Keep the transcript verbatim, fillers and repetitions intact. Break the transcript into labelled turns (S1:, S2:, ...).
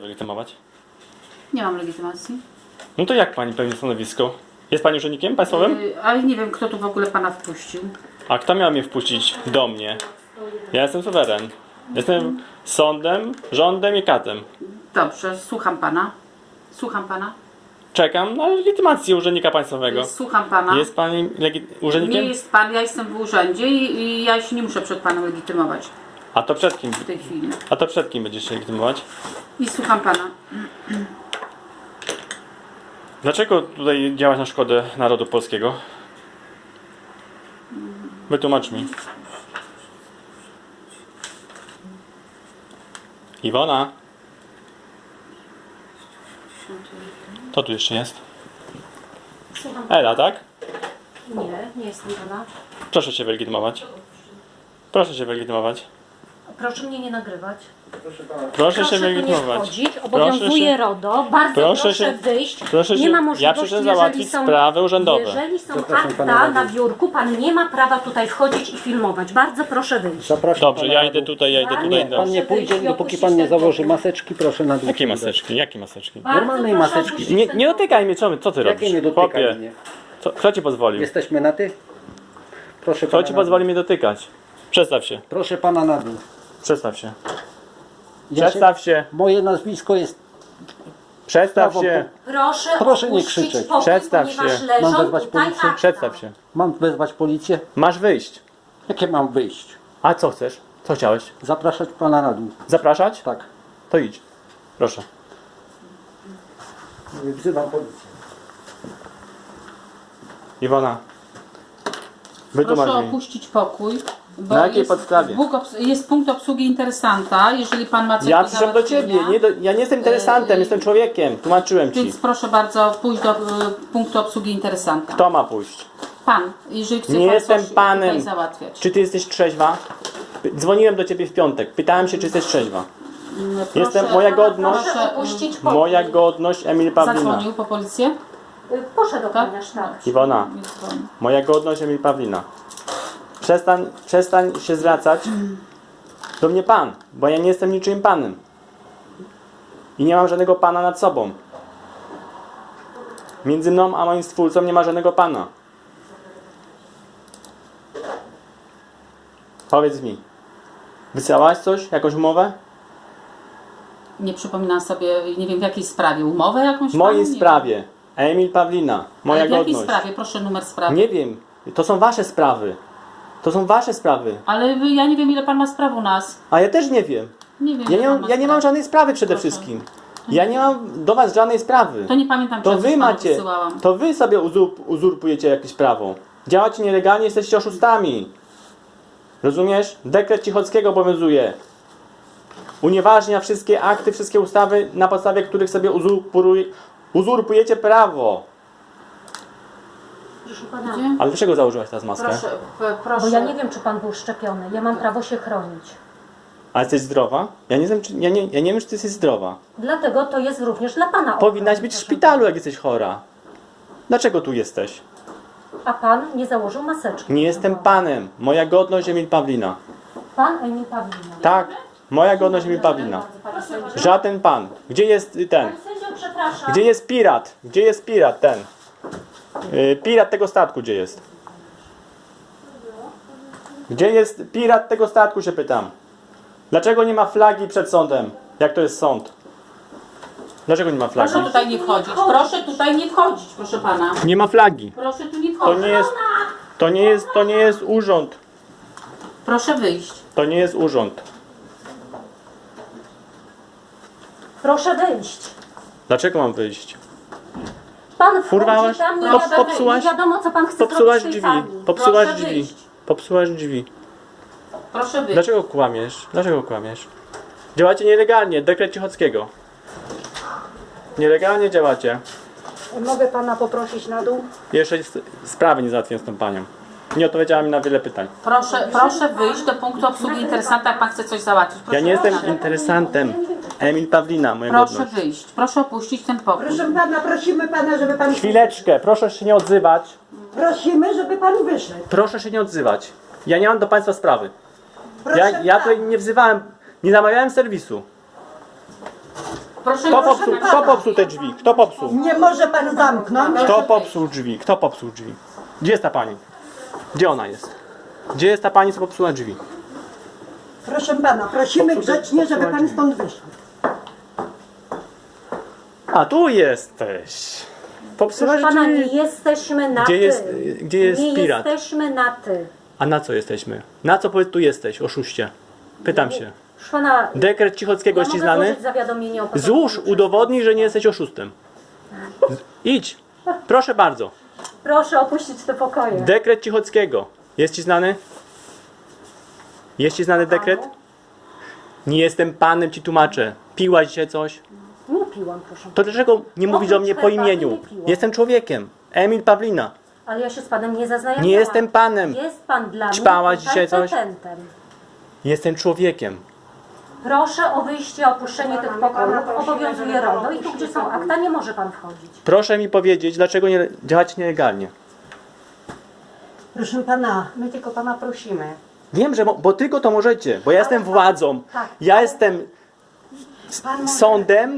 S1: Legitymować?
S2: Nie mam legitymacji.
S1: No to jak pani pełni stanowisko? Jest pani urzędnikiem państwowym?
S2: Yy, ale nie wiem, kto tu w ogóle pana wpuścił.
S1: A kto miał mnie wpuścić do mnie? Ja jestem suweren. Jestem sądem, rządem i katem.
S2: Dobrze, słucham pana. Słucham pana.
S1: Czekam na legitymację urzędnika państwowego.
S2: Słucham pana.
S1: Jest pani legi-
S2: Nie
S1: urzędnikiem?
S2: jest pan, ja jestem w urzędzie i, i ja się nie muszę przed panem legitymować
S1: A to przed kim?
S2: w tej chwili.
S1: A to przed kim będziesz się legitymować?
S2: I słucham pana.
S1: Dlaczego tutaj działać na szkodę narodu polskiego? Wytłumacz mi. Iwona? Kto tu jeszcze jest?
S3: Słucham.
S1: Ela, tak?
S3: Nie, nie jestem pana.
S1: Proszę się wylegitymować. Proszę się wylegitymować.
S3: Proszę mnie nie nagrywać.
S1: Proszę się
S3: tu nie
S1: wylegitymować.
S3: wchodzić. Obowiązuje
S1: się-
S3: RODO. Bardzo
S1: proszę
S3: proszę,
S1: się-
S3: wyjść.
S1: proszę
S3: nie
S1: się-
S3: ma
S1: ja
S3: możliwości,
S1: przyszedłem
S3: jeżeli
S1: załatwić
S3: są,
S1: sprawy urzędowe.
S3: jeżeli są
S4: Zapraszam pana
S3: akta
S4: na
S3: na biurku, pan nie ma prawa tutaj wchodzić i filmować. Bardzo proszę wyjść.
S4: Zapraszam
S1: Dobrze,
S4: pana
S1: ja
S4: na
S1: idę
S4: dół.
S1: tutaj, ja idę
S3: Nie,
S1: tutaj.
S4: Pan
S1: Dobrze.
S4: nie pójdzie, dopóki pan nie założy maseczki, proszę na dół.
S1: Jakie
S4: przyjść.
S1: maseczki? Jakie maseczki?
S3: Bardzo
S4: Normalnej
S3: proszę
S4: maseczki.
S3: opuścić
S1: Nie,
S3: ten
S1: nie
S3: pokój.
S1: dotykaj mnie, co, my- co ty robisz?
S4: Jakie nie dotykaj
S1: Chłopie,
S4: mnie?
S1: co, kto ci pozwolił?
S4: Jesteśmy na ty? Proszę
S1: Kto
S4: pana
S1: ci
S4: na dół.
S1: pozwoli mnie dotykać? Przestaw się,
S4: Proszę pana na dół.
S1: przestaw się.
S4: Ja
S1: Przestaw się,
S4: Moje nazwisko jest...
S1: przestaw
S4: Prawo
S1: się,
S3: Proszę,
S4: Proszę nie
S3: opuścić
S4: krzyczeć.
S3: pokój,
S1: Przestaw
S3: ponieważ
S1: się.
S3: leżą
S4: Mam wezwać
S3: tutaj
S4: policję?
S3: akta.
S1: przestaw się.
S4: Mam wezwać policję?
S1: Masz wyjść.
S4: Jakie mam wyjść?
S1: A co chcesz? Co chciałeś?
S4: Zapraszać pana na dół.
S1: Zapraszać?
S4: Tak.
S1: To idź. Proszę.
S4: Wzywam policję.
S1: Iwona. Wytłumacz
S2: Proszę
S1: mi.
S2: opuścić pokój. Bo
S1: Na jakiej
S2: jest,
S1: podstawie?
S2: Bóg obs- jest punkt obsługi interesanta. Jeżeli pan ma coś
S1: Ja
S2: do
S1: przyszedłem do ciebie.
S2: załatwienia,
S1: Nie do, ja nie jestem interesantem, jestem człowiekiem. Tłumaczyłem ci.
S2: Więc proszę bardzo pójść do y, punktu obsługi interesanta.
S1: Kto ma pójść?
S2: Pan, jeżeli chce
S1: Nie
S2: pan
S1: jestem
S2: coś
S1: panem.
S2: tutaj załatwiać.
S1: Czy ty jesteś trzeźwa? Dzwoniłem do ciebie w piątek. Pytałem się, czy jesteś trzeźwa.
S2: Mm,
S1: Jestem,
S2: proszę-
S1: moja godność,
S3: Proszę opuścić pokój.
S1: moja godność Emil Pawlina.
S2: Zadzwonił po policję?
S3: Y, Poszedł ochroniarz, tak.
S1: Iwona,
S2: Nie dzwoni.
S1: moja godność Emil Pawlina. Przestań, przestań się zwracać do mnie pan, bo ja nie jestem niczym panem. I nie mam żadnego pana nad sobą. Między mną a moim stwórcą nie ma żadnego pana. Powiedz mi, wysyłałaś coś, jakąś umowę?
S2: Nie przypominam sobie, nie wiem w jakiej sprawie, umowę jakąś?
S1: W mojej
S2: panu? Nie
S1: sprawie. Emil Pawlina, moja
S2: Ale w jakiej
S1: godność.
S2: sprawie? Proszę numer sprawy.
S1: Nie wiem, to są wasze sprawy. To są wasze sprawy.
S2: Ale wy- ja nie wiem ile pan ma spraw u nas.
S1: A ja też nie wiem.
S2: Nie wiem
S1: Ja
S2: ile
S1: nie,
S2: pan
S1: mam,
S2: ma
S1: ja nie
S2: spraw.
S1: mam żadnej sprawy przede
S2: Proszę.
S1: wszystkim. Ja nie mam do was żadnej sprawy.
S2: To nie pamiętam, czy
S1: To
S2: ja coś
S1: wy
S2: panu
S1: macie,
S2: wysyłałam.
S1: to wy sobie uzurp, uzurpujecie jakieś prawo. Działacie nielegalnie, jesteście oszustami. Rozumiesz? Dekret Cichockiego obowiązuje. Unieważnia wszystkie akty, wszystkie ustawy, na podstawie których sobie uzurpuj, uzurpujecie prawo.
S3: Proszę pana,
S2: Gdzie?
S1: Ale dlaczego założyłaś teraz maskę?
S2: Proszę, p- proszę.
S3: bo ja nie wiem, czy pan był szczepiony. Ja mam prawo się chronić.
S1: A jesteś zdrowa? Ja nie wiem, czy, ja nie, ja nie wiem, czy ty jesteś zdrowa.
S3: Dlatego to jest również dla pana.
S1: Powinnaś
S3: ochrona,
S1: być w
S3: proszę
S1: szpitalu, jak jesteś chora. Dlaczego tu jesteś?
S3: pana. A pan nie założył maseczki.
S1: Nie jestem panem. Moja godność Emil Pawlina.
S3: Pan Emil Pawlina.
S1: Tak, moja godność Emil Pawlina. Żaden pan. Gdzie jest y, ten?
S3: Panie sędzio, przepraszam.
S1: Gdzie jest pirat? Gdzie jest pirat ten? Yy, pirat tego statku gdzie jest? Gdzie jest pirat tego statku, się pytam. Dlaczego nie ma flagi przed sądem? Jak to jest sąd? Dlaczego nie ma flagi?
S2: Proszę tutaj nie wchodzić. Proszę tutaj nie wchodzić, proszę pana.
S1: Nie ma flagi.
S2: Proszę tu nie
S1: To
S2: wchodzić.
S1: nie jest, to nie jest, to nie jest urząd.
S2: Proszę wyjść.
S1: To nie jest urząd.
S3: Proszę wyjść.
S1: Dlaczego mam wyjść?
S3: Pan wchodzi
S1: Urwałaś?
S3: tam, nie,
S1: Pop-
S3: wiadomo,
S1: popsułaś?
S3: nie wiadomo, co pan chce
S1: Popsułaś
S3: zrobić w
S1: drzwi.
S3: tej sali.
S1: Popsułaś
S2: Proszę
S1: drzwi.
S2: wyjść.
S1: Popsułaś drzwi.
S2: Proszę wyjść.
S1: Dlaczego kłamiesz? Dlaczego kłamiesz? Działacie nielegalnie. Dekret Cichockiego. Nielegalnie działacie.
S3: Mogę pana poprosić na dół?
S1: Jeszcze jest- sprawy nie załatwiłem z tą panią. Nie odpowiedziała mi na wiele pytań.
S2: Proszę, proszę wyjść do punktu obsługi interesanta, jak pan chce coś załatwić. Proszę,
S1: Ja nie jestem
S2: proszę.
S1: interesantem. Emil Pawlina, moja
S2: Proszę
S1: godność.
S2: wyjść. Proszę opuścić ten pokój.
S5: Proszę pana, prosimy pana, żeby pan...
S1: Chwileczkę, proszę się nie odzywać.
S5: Prosimy, żeby pan wyszedł.
S1: Proszę się nie odzywać. Ja nie mam do państwa sprawy.
S5: Proszę
S1: Ja, ja
S5: pana.
S1: tutaj nie wzywałem, nie zamawiałem serwisu.
S2: Proszę,
S1: Kto
S2: proszę
S1: popsuł,
S2: pana.
S1: kto popsuł te drzwi? Kto popsuł?
S5: Nie może pan zamknąć.
S1: Kto popsuł drzwi? Kto popsuł drzwi? Gdzie jest ta pani? Gdzie ona jest? Gdzie jest ta pani, co popsuła drzwi?
S5: Proszę pana, prosimy
S1: Popsuł-
S5: grzecznie, żeby
S1: popsuła
S5: pan
S1: drzwi.
S5: stąd wyszedł.
S1: A tu jesteś. Popsułaś
S3: Proszę pana, nie
S1: drzwi.
S3: jesteśmy na
S1: Gdzie
S3: ty.
S1: jest, gdzie jest
S3: nie
S1: pirat?
S3: jesteśmy na ty.
S1: A na co jesteśmy? Na co powiedz tu jesteś, oszuście? Pytam się.
S3: Proszę pana,
S1: Dekret Cichockiego
S3: ja
S1: jest ci
S3: mogę
S1: znany?
S3: złożyć zawiadomienie o
S1: Złóż,
S3: popełnieniu
S1: udowodnij, że nie jesteś oszustem. Z- Idź. Proszę bardzo.
S3: przestępstwa. Proszę opuścić te pokoje.
S1: Dekret Cichockiego. Jest ci znany? Jest ci znany dekret? Nie jestem panem, ci tłumaczę. Piłaś dzisiaj coś?
S3: Nie piłam, proszę.
S1: To dlaczego nie mówisz do mnie po
S3: herbaty
S1: imieniu?
S3: nie piłam.
S1: Jestem człowiekiem. Emil Pawlina.
S3: Ale ja się z panem nie zaznajamiałam.
S1: Nie jestem panem.
S3: Jest pan dla
S1: Ćpałaś
S3: mnie
S1: dzisiaj coś?
S3: petentem.
S1: Jestem człowiekiem.
S3: Proszę o wyjście, opuszczenie tych pokojów. Obowiązuje RODO i tu, gdzie są akta, nie może pan wchodzić.
S1: Proszę mi powiedzieć, dlaczego nie działacie nielegalnie.
S5: Proszę pana,
S3: My tylko pana prosimy.
S1: Wiem, że mo- bo tylko to możecie, bo ja jestem władzą.
S3: tak,
S1: Ja
S3: ale-
S1: jestem
S3: Pan może...
S1: sądem,